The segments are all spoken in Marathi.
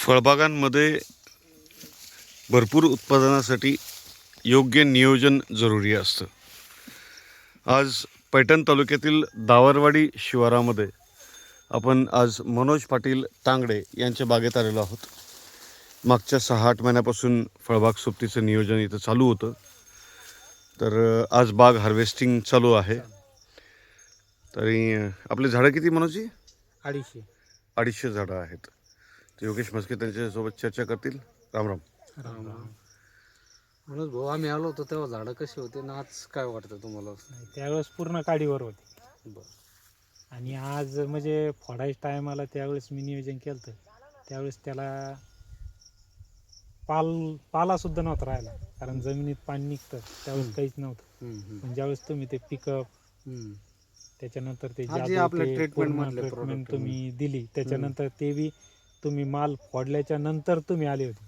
फळबागांमध्ये भरपूर उत्पादनासाठी योग्य नियोजन जरुरी असतं. आज पैठण तालुक्यातील दावरवाडी शिवारामध्ये आपण आज मनोज पाटील तांगडे यांच्या बागेत आलेलो आहोत. मागच्या 6-8 महिन्यापासून फळबाग सोबतीचं नियोजन इथं चालू होतं. तर आज बाग हार्वेस्टिंग चालू आहे. तरी आपले झाडं किती मनोजी? 250 झाडं आहेत. तर योगेश म्हस्के त्यांच्यासोबत चर्चा करतील. राम राम. राम राम. म्हणून भाऊ आम्ही आलो होतो तेव्हा झाडं कशी होते ना आज काय वाटतं तुम्हाला? त्यावेळेस पूर्ण काडीवर होती. बरं. आणि आज म्हणजे फोडायच्या टायमाला त्यावेळेस मी नियोजन केलं होतं. त्यावेळेस त्याला पाला सुद्धा नव्हता राहिला, कारण जमिनीत पाणी निघतं त्यावेळेस काहीच नव्हतं. पण ज्यावेळेस तुम्ही ते पिकअप त्याच्यानंतर ते ट्रीटमेंट तुम्ही दिली, त्याच्यानंतर ते बी तुम्ही माल फोडल्याच्या नंतर तुम्ही आले होते.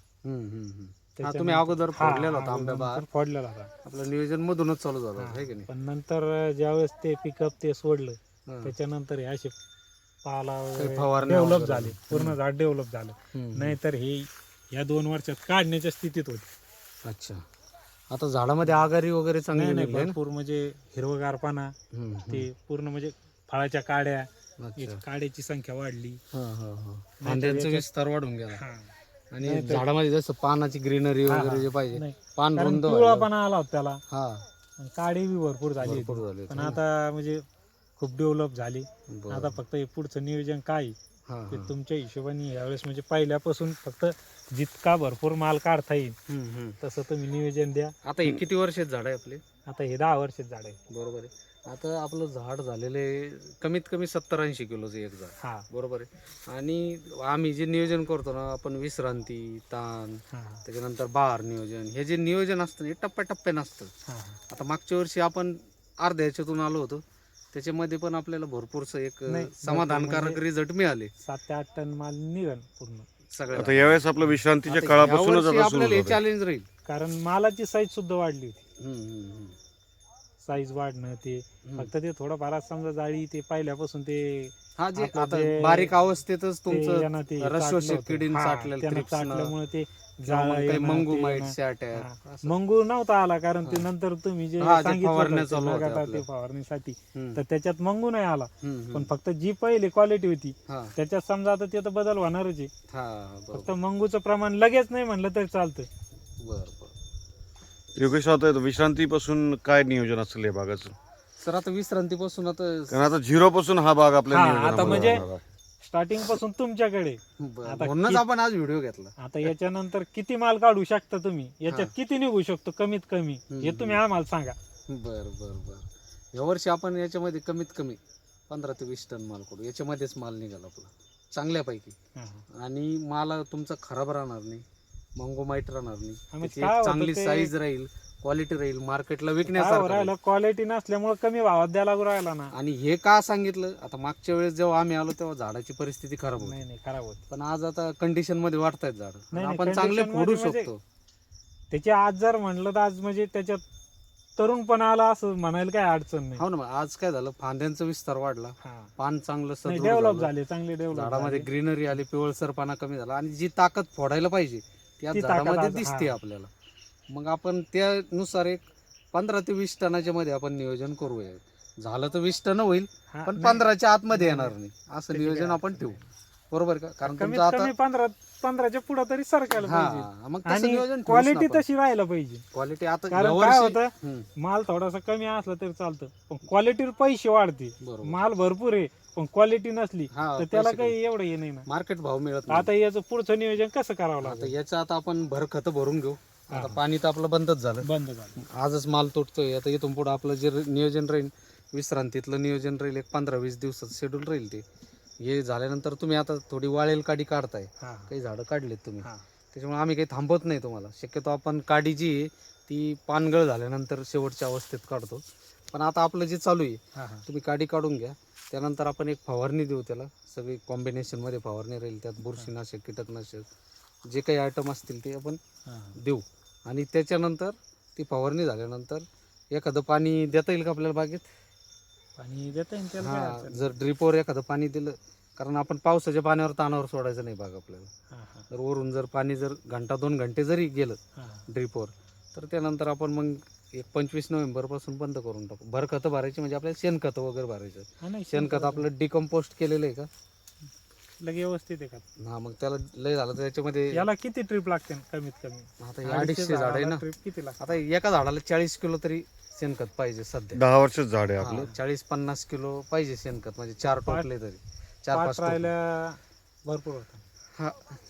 तुम्ही अगोदर फोडलेला होता आंब्या बहार, फोडलेला होता आपलं नियोजन मधूनच चालू झालं आहे की नाही? पण नंतर ज्यावेळेस ते पिकअप ते सोडलं त्याच्यानंतर हे असे पाला डेव्हलप झाले, पूर्ण झाड डेव्हलप झालं. नाहीतर हे या 2 वर्षात काढण्याच्या स्थितीत होते. अच्छा, आता झाडामध्ये आगारी वगैरे चांगली नाही भरपूर म्हणजे हिरवगार पाना, ते पूर्ण म्हणजे फळाच्या काड्या, काड्याची संख्या वाढली, फांद्यांचा विस्तार वाढून गेला. आणि झाडामध्ये जसं पानाची ग्रीनरी वगैरे जे पाहिजे, पान रुंद पिवळापणा आला होता त्याला. काडी बी भरपूर झाली. पण आता म्हणजे खूप डेव्हलप झाली. आता फक्त हे पुढचं नियोजन काय ते तुमच्या हिशोबाने यावेळेस म्हणजे पहिल्यापासून फक्त जितका भरपूर माल काढता येईल तसं तुम्ही नियोजन द्या. आता हे किती वर्षात झाड आहे आपले? आता हे 10 वर्षात झाड आहे. बरोबर आहे. आता आपलं झाड झालेले कमीत कमी 70-80 किलोचं एक झाड, बरोबर आहे. आणि आम्ही जे नियोजन करतो ना आपण, विश्रांती, ताण, त्याच्यानंतर बहार नियोजन, हे जे नियोजन असतं हे टप्प्याटप्प्यानं असतं. आता मागच्या वर्षी आपण अर्ध्या ह्याच्यातून आलो होतो, त्याच्यामध्ये पण आपल्याला भरपूरच एक समाधानकारक रिझल्ट मिळाले. 7 ते 8 टन माल निघन पूर्ण सगळं. आता यावेळेस आपल्या विश्रांतीच्या काळापासूनच आपल्याला हे चॅलेंज राहील, कारण मालाची साईज सुद्धा वाढली होती. साईज वाढणं ते फक्त ते थोडंफार समजा जाळी ते पहिल्यापासून ते आता बारीक अवस्थेतच तुमचं रसशोषक किडीन चाटल्यामुळे ते मंगू माईट्स अटॅक, मंगू नव्हता आला, कारण ते नंतर तुम्ही जे सांगितलं ते फवारणीसाठी तर त्याच्यात मंगू नाही आला. पण फक्त जी पहिली क्वालिटी होती त्याच्यात समजा आता ते तर बदल होणारच आहे. फक्त मंगूचं प्रमाण लगेच नाही म्हणलं तरी चालतं. योगेश, आता विश्रांतीपासून काय नियोजन असेल या बागाचं? सर आता विश्रांतीपासून कारण आता 0 पासून हा बाग आपल्या आता म्हणजे स्टार्टिंग पासून तुमच्याकडे म्हणूनच आपण आज व्हिडिओ घेतला. आता याच्यानंतर किती माल काढू शकता तुम्ही, याच्यात किती निघू शकतो कमीत कमी, हे तुम्ही आम्हाला सांगा. बर. यावर्षी आपण याच्यामध्ये कमीत कमी 15 ते 20 टन माल काढू. याच्यामध्येच माल निघाला आपला चांगल्यापैकी. आणि माल तुमचा खराब राहणार नाही, मंगोमाईट राहणार नाही, चांगली साईज राहील, क्वालिटी राहील, मार्केटला विकण्यासारखं. क्वालिटी नसल्यामुळे कमी भावात द्यायला लागू राहिला ना. आणि हे का सांगितलं, आता मागच्या वेळेस जेव्हा आम्ही आलो तेव्हा झाडाची परिस्थिती खराब होती. नाही खराब होत, पण आज आता कंडिशन मध्ये वाढतायत झाड, आपण चांगले फोडू शकतो. त्याचे आज जर म्हणलं तर आज म्हणजे त्याच्यात तरुणपणा आला असं म्हणायला काय अडचण नाही. हो ना, आज काय झालं, फांद्यांचा विस्तार वाढला, पान चांगलं डेव्हलप झाले, चांगले डेव्हलप, झाडामध्ये ग्रीनरी आली, पिवळसरपणा कमी झाला, आणि जी ताकद फोडायला पाहिजे त्या झाडामध्ये दिसते आपल्याला. मग आपण त्यानुसार एक 15 ते 20 टनाच्या मध्ये आपण नियोजन करूया. झालं तर 20 टन होईल, पण 15च्या आतमध्ये येणार नाही असं नियोजन आपण ठेवू, बरोबर का? कारण तुमचं आता 15च्या पुढे तरी सरकायला पाहिजे. मग आणि क्वालिटी तशी राहायला पाहिजे. क्वालिटी आता कारण काय होतं, माल थोडासा कमी असला तरी चालतं, पण क्वालिटीवर पैसे वाढते. माल भरपूर आहे पण क्वालिटी नसली तर त्याला काही एवढं हे नाही ना, मार्केट भाव मिळत. आता याचं पुढचं नियोजन कसं करावं लागतं? याचं आता आपण भर खत भरून घेऊ. आता पाणी तर आपलं बंद झालं. आजच माल तुटतोय. आता इथून पुढे आपलं जे नियोजन राहील, विश्रांतीतलं नियोजन राहील, एक 15-20 दिवसाचं शेड्यूल राहील. ते हे झाल्यानंतर तुम्ही आता थोडी वाळेल काडी काढताय, काही झाडं काढलेत तुम्ही, त्याच्यामुळे आम्ही काही थांबवत नाही तुम्हाला. शक्यतो आपण काडी जी आहे ती पानगळ झाल्यानंतर शेवटच्या अवस्थेत काढतो. पण आता आपलं जे चालू आहे, तुम्ही काडी काढून घ्या, त्यानंतर आपण एक फवारणी देऊ. त्याला सगळी कॉम्बिनेशन मध्ये फवारणी राहील, त्यात बुरशीनाशक, कीटकनाशक जे काही आयटम असतील ते आपण देऊ. आणि त्याच्यानंतर ती फवारणी झाल्यानंतर एखादं पाणी देता येईल का आपल्याला बागेत? पाणी देता येईल त्याला. जर ड्रिपवर एखादं पाणी दिलं कारण आपण पावसाच्या पाण्यावर तानावर सोडायचं नाही बाग आपल्याला. हा, हा, तर वरून जर पाणी जर घंटा 2 घंटे जरी गेलं हा. ड्रिपवर, तर त्यानंतर आपण मग एक 25 नोव्हेंबरपासून बंद करून टाकू. भर खतं भरायची म्हणजे आपल्याला शेणखतं वगैरे भरायचं. हा, नाही, शेणखत आपलं डिकम्पोस्ट केलेलं आहे का? लगे व्यवस्थित आहे का? हा, मग त्याला लय झालं तर त्याच्यामध्ये याला किती ट्रिप लागते कमीत कमी? आता हे 250 झाड आहे ना. ट्रिप किती लागते? आता एका झाडाला 40 किलो तरी शेणखत पाहिजे सध्या. 10 वर्षाचं झाड आहे आपलं. 40-50 किलो पाहिजे शेणखत, म्हणजे 4 टोपले तरी 4-5 पाच राहिल्या भरपूर होतं. हा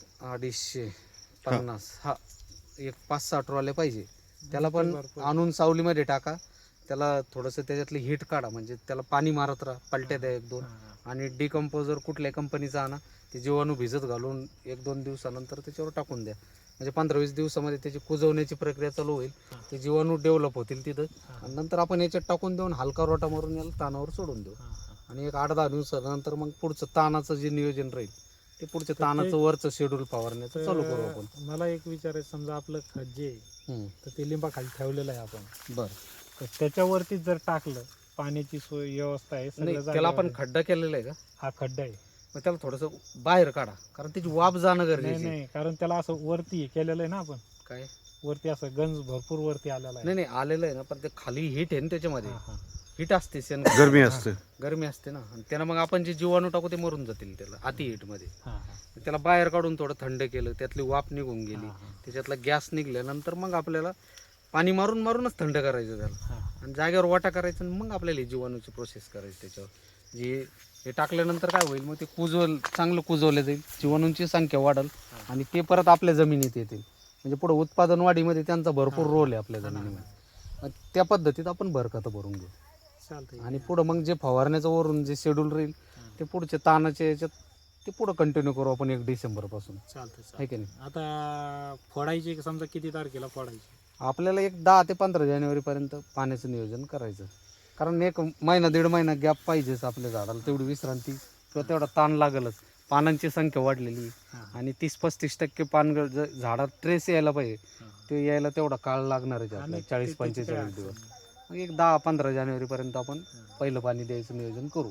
250 हा एक 5-6 ट्रॉले पाहिजे. त्याला पण भरपूर. आणून सावलीमध्ये टाका, त्याला थोडंसं त्याच्यातली हीट काढा, म्हणजे त्याला पाणी मारत राहा, पलट्या द्या 1-2. आणि डिकम्पोजर कुठल्या कंपनीचा आणा, ते जीवाणू भिजत घालून 1-2 दिवसानंतर त्याच्यावर टाकून द्या. म्हणजे 15-20 दिवसामध्ये त्याची कुजवण्याची प्रक्रिया चालू होईल. ते जीवाणू डेव्हलप होतील तिथं, आणि नंतर आपण याच्यात टाकून देऊन हलका रोटा मारून याला तानावर सोडून देऊ. आणि एक 8-10 दिवसानंतर मग पुढचं तानाचं जे नियोजन राहील ते पुढच्या तानाचं वरचं शेड्यूल फवारण्याचं चालू करू आपण. मला एक विचारायचं, समजा आपलं खत जे आहे, तर ते लिंबाखाली ठेवलेलं आहे आपण, बरं. तर त्याच्यावरती जर टाकलं, पाण्याची सोय व्यवस्था आहे नाही, सगळं त्याला आपण जागेवर आहे. खड्डा केलेला आहे का? हा खड्डा आहे. मग त्याला थोडंसं बाहेर काढा, कारण त्याची वाफ जाणं नाही गरजेचं आहे. नाही, कारण त्याला असं वरती हे केलेलं आहे ना आपण, काय? वरती असं गंज भरपूर वरती आलेला आहे. नाही नाही, आलेलं आहे ना, पण ते खाली हीट आहे ना, त्याच्यामध्ये हा, हा. हीट असते, गरमी असते. गरमी असते ना, आणि त्याला मग आपण जे जीवाणू टाकू ते मरून जातील त्याला अति हीट मध्ये. हा, हा. त्याला बाहेर काढून थोडं थंड केलं, त्यातली वाफ निघून गेली, हा, हा. त्याच्यातला गॅस निघल्यानंतर मग आपल्याला पाणी मारून मारूनच थंड करायचं त्याला, हा. आणि जागेवर वाटा करायचं, आणि मग आपल्याला ही जीवाणूची प्रोसेस करायची त्याच्यावर. जे हे टाकल्यानंतर काय होईल, मग ते चांगलं कुजवलं जाईल, जीवाणूंची संख्या वाढेल, आणि ते परत आपल्या जमिनीत येतील. म्हणजे पुढे उत्पादन वाढीमध्ये त्यांचा भरपूर रोल आहे आपल्या जमिनीमध्ये. मग त्या पद्धतीत आपण भरखतं भरून घेऊ. चालतंय. आणि पुढं मग जे फवारण्याचं वरून जे शेड्यूल राहील ते पुढच्या तानाच्या याच्यात ते पुढं कंटिन्यू करू आपण 1 डिसेंबरपासून, चालतंय. आहे की नाही? आता फोडायची समजा किती तारखेला फोडायची? आपल्याला एक 10 ते 15 जानेवारीपर्यंत पाण्याचं नियोजन करायचं, कारण 1 महिना 1.5 महिना गॅप पाहिजेच आपल्या झाडाला, तेवढी विश्रांती किंवा तेवढा ताण लागलच. पानांची संख्या वाढलेली, आणि 30-35% पान झाडात ट्रेस यायला पाहिजे, ते यायला तेवढा काळ लागणारच आहे आपल्याला, 40-45 दिवस. मग एक 10-15 जानेवारीपर्यंत आपण पहिलं पाणी द्यायचं नियोजन करू.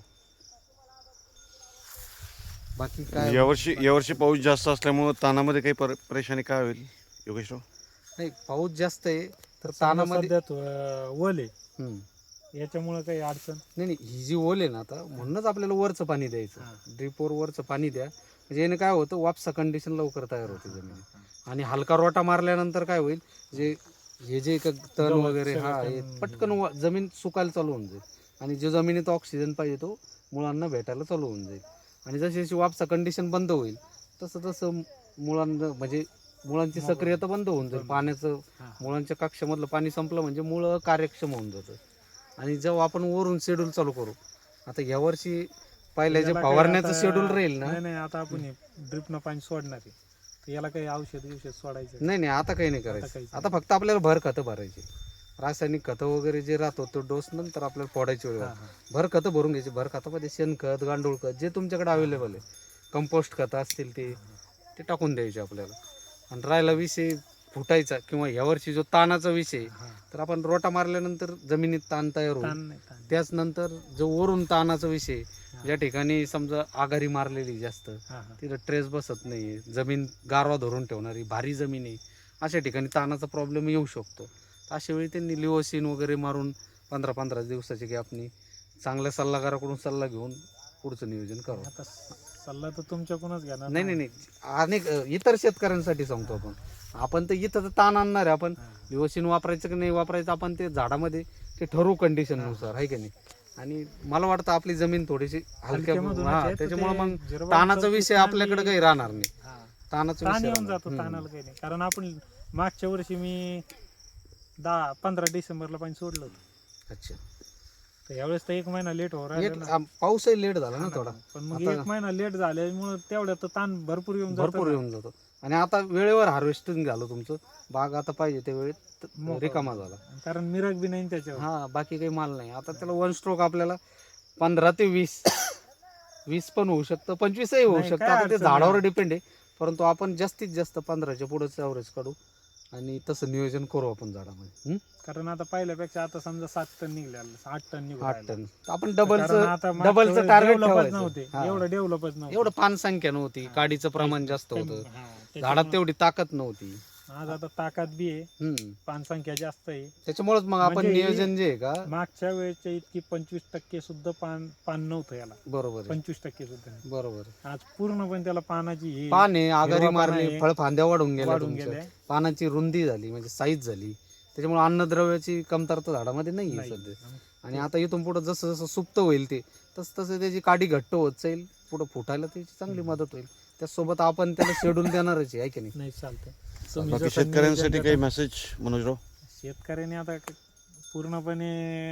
बाकी काय यावर्षी पाऊस जास्त असल्यामुळे तानामध्ये काही परेशानी काय होईल योगेशराव? नाही, पाऊस जास्त आहे तर समजा तानामध्ये सध्या ओल आहे, हम्म. याच्यामुळे काही अडचण? नाही नाही, ही जी ओल आहे ना, आता म्हणूनच आपल्याला वरचं पाणी द्यायचं. ड्रिपवर वरचं पाणी द्या, म्हणजे याने काय होतं, वापसा कंडिशन लवकर तयार होते जमिनीत. आणि हलका रोटा मारल्यानंतर काय होईल, जे तण वगैरे हे पटकन जमीन सुकायला चालू होऊन जाईल, आणि जो जमिनीत ऑक्सिजन पाहिजे तो मुळांना भेटायला चालू होऊन जाईल. आणि जशी जशी वापसा कंडिशन बंद होईल तसं तसं मुळांना, म्हणजे मुळांची सक्रियता बंद होऊन जाईल. पाण्याचं मुळांच्या कक्षामधलं पाणी संपलं म्हणजे मुळं कार्यक्षम होऊन जातं. आणि जेव्हा आपण वरून शेड्यूल चालू करू, आता यावर्षी पहिल्या जे फवारण्याचं शेड्यूल राहील ना, नाही आता आपण ड्रिपनं पाणी सोडणार आहे, तर याला काही औषध सोडायचं? नाही आता काही नाही करायचं. काहीच आता फक्त आपल्याला भर खतं भरायची. रासायनिक खतं वगैरे जे राहतो तो डोस नंतर आपल्याला फोडायची वेळ. भर खतं भरून घ्यायची. भर खतामध्ये शेणखत, गांडूळ खत जे तुमच्याकडे अवेलेबल आहे, कंपोस्ट खतं असतील ते टाकून द्यायचे आपल्याला. आणि राहिला विषय फुटायचा किंवा यावर्षी जो ताणाचा विषय, तर आपण रोटा मारल्यानंतर जमिनीत ताण तयार होईल. त्याच नंतर जो वरून ताणाचा विषय, ज्या ठिकाणी समजा आघारी मारलेली जास्त, तिथं ट्रेस बसत नाही, जमीन गारवा धरून ठेवणारी भारी जमीन आहे, अशा ठिकाणी ताणाचा प्रॉब्लेम येऊ शकतो. अशा वेळी त्यांनी लिओसिन वगैरे मारून 15-15 दिवसाची गॅपनी चांगल्या सल्लागाराकडून सल्ला घेऊन पुढचं नियोजन करावं. आता सल्ला तर तुमच्याकडूनच घ्या ना. नाही, अनेक इतर शेतकऱ्यांसाठी सांगतो आपण तर इथं तर ताण आणणार आहे. आपण लिओसिन वापरायचं की नाही वापरायचं, आपण ते झाडामध्ये ते ठरवू कंडिशननुसार, आहे की नाही. आणि मला वाटतं आपली जमीन थोडीशी हलक्या, त्याच्यामुळे मग ताणाचा विषय आपल्याकडे काही राहणार नाही. ताणाचा ताण विषय येऊन जातो, ताणाला काही नाही. कारण आपण मागच्या वर्षी मी 10-15 डिसेंबरला पाणी सोडलं होतं. अच्छा, तर यावेळेस तर 1 महिना लेट हो राहिला. पाऊसही लेट झाला ना थोडा, पण मग 1 महिना लेट झाल्यामुळे तेवढ्यात ताण भरपूर येऊन जातो. आणि आता वेळेवर हार्वेस्टिंग झालं तुमचं, बाग आता पाहिजे त्या वेळेत रिकामा झाला. कारण मिरग बी नाही त्याच्यावर. बाकी काही माल नाही. आता त्याला 1 स्ट्रोक आपल्याला 15 ते 20 पण होऊ शकतं, 25ही होऊ शकतं. आता ते झाडावर डिपेंड आहे, परंतु आपण जास्तीत जास्त 15च्या पुढेच ॲव्हरेज काढू. आणि तसं नियोजन करू आपण झाडामध्ये. कारण आता पहिल्यापेक्षा आता समजा 7 टन निघले 8 टन निघून 8 राहिले. टन आपण कारण डबलचं आता मागच्या डबलचं वेळेस टार्गेट डेव्हलपच ठेवायचं. नव्हते, हा. एवढं डेव्हलपच नव्हतं. एवढं पान संख्या नव्हती, काडीचं प्रमाण जास्त होतं, झाडात तेवढी ताकद नव्हती. आज आता ताकद बी आहे, हम्म. पान संख्या जास्त आहे. त्याच्यामुळेच मग आपण म्हणजे नियोजन जे आहे का मागच्या वेळेच्या इतकी 25% सुद्धा पान नव्हतं याला, बरोबर आहे. 25% सुद्धा नाही. बरोबर आहे. आज पूर्णपणे त्याला पानाची ही पान आहे, आघाडी हिरवा पान मारली, आहे, फळफांद्या वाढून गेल्या वाढून तुमच्या. गेल्या. पानाची रुंदी झाली म्हणजे साईज झाली. त्याच्यामुळे अन्नद्रव्याची कमतरता झाडामध्ये नाही आहे नाही. सध्या. आणि आता इथून पुढे जसं जसं सुप्त होईल ते तसं त्याची काडी घट्ट होत जाईल, पुढे फुटायला त्याची चांगली मदत होईल. त्यासोबत आपण त्याला शेड्यूल देणारच आहे की नाही. नाही चालतं. तुम्ही बाकी जसं शेतकऱ्यांसाठी नियोजन काही करता- मेसेज मनोजराव? शेतकऱ्यांनी आता पूर्णपणे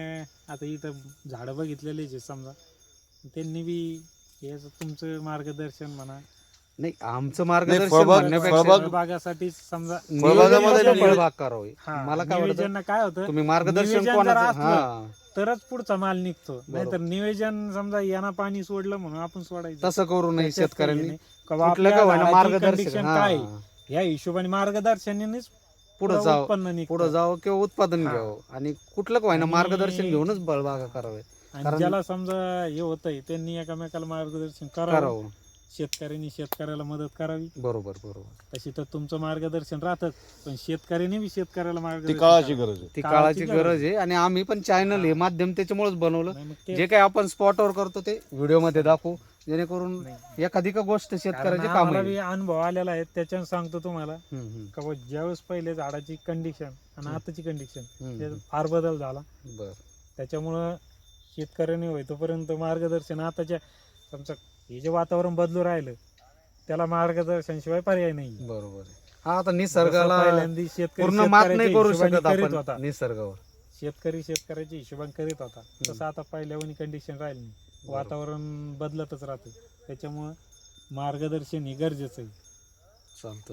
आता इथं झाडं बघितलेली आहे समजा, त्यांनी बी हे तुमचं मार्गदर्शन म्हणा, नाही आमचं मार्गदर्शन फळबाग- म्हणण्यापेक्षा फळबाग- फळबागासाठी समजा फळबागामध्ये नियोजन नियोजन- फळबाग करावी. हा, मला काय वाटतं नियोजन काय होतं, तुम्ही मार्गदर्शन नियोजन जर कोणाचं असलं, हा तरच पुढचा माल निघतो. नाहीतर नियोजन समजा यांना पाणी सोडलं म्हणून आपण सोडायचं तसं करू नये त्याच्यात काही शेतकऱ्यांनी. नाही. किंवा कुठलं आपल्या का होईना झाडाची मार्गदर्शन condition हा. काय या हिशोबाने मार्गदर्शनानेच पुढे पुढं जावं, उत्पन्न निघतं. पुढे जावं किंवा उत्पादन हा. घ्यावं आणि कुठलं का होईना आणि- मार्गदर्शन घेऊनच फळबागा करावे. आणि कारण- ज्याला समजा हे होतंय त्यांनी एकमेकाला मार्गदर्शन करावं, करावं. शेतकऱ्यांनी शेतकऱ्याला मदत करावी. बरोबर बरोबर. तशी तर तुमचं मार्गदर्शन राहतच, पण शेतकऱ्याने बी शेतकऱ्याला ती मार्गदर्शन काळाची करावं. गरज आहे. ती काळाची काळाची गरज गरज आहे आणि आम्ही पण चॅनल हे माध्यम त्याच्यामुळेच बनवलं. नाही मग ते- जे काही आपण स्पॉटवर करतो ते व्हिडिओ मध्ये दाखवू, जेणेकरून एखादी का गोष्ट कारण शेतकऱ्याचे काम आम्हाला आहे. बी अनुभव आलेला आहे, त्याच्यानं सांगतो तुम्हाला हम्म, का बुवा ज्यावेळेस पहिले झाडाची कंडिशन आणि आताची कंडिशन हम्म. फार बदल झाला. बर त्याच्यामुळं शेतकऱ्यांनी होय तोपर्यंत मार्गदर्शन आताच्या समजा हे जे वातावरण बदलू राहिलं त्याला मार्गदर्शन शिवाय पर्याय नाही. बरोबर आहे. हा आता जसं निसर्गाला पहिल्यांदी शेतकरी पूर्ण मात नाही शेतकऱ्याच्या करू हिशोबाने शकत करीत होता. आपण निसर्गावर. शेतकरी शेतकऱ्याच्या हिशोबाने करीत होता, तसं आता पहिल्यावानी कंडिशन राहिली नाही. वातावरण बदलतच राहतं, त्याच्यामुळं मार्गदर्शन हे गरजेचं आहे. चालतं.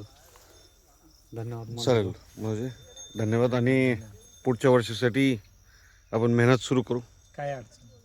धन्यवाद. चालेल म्हणजे धन्यवाद. आणि पुढच्या वर्षासाठी आपण मेहनत सुरू करू. काय अडचण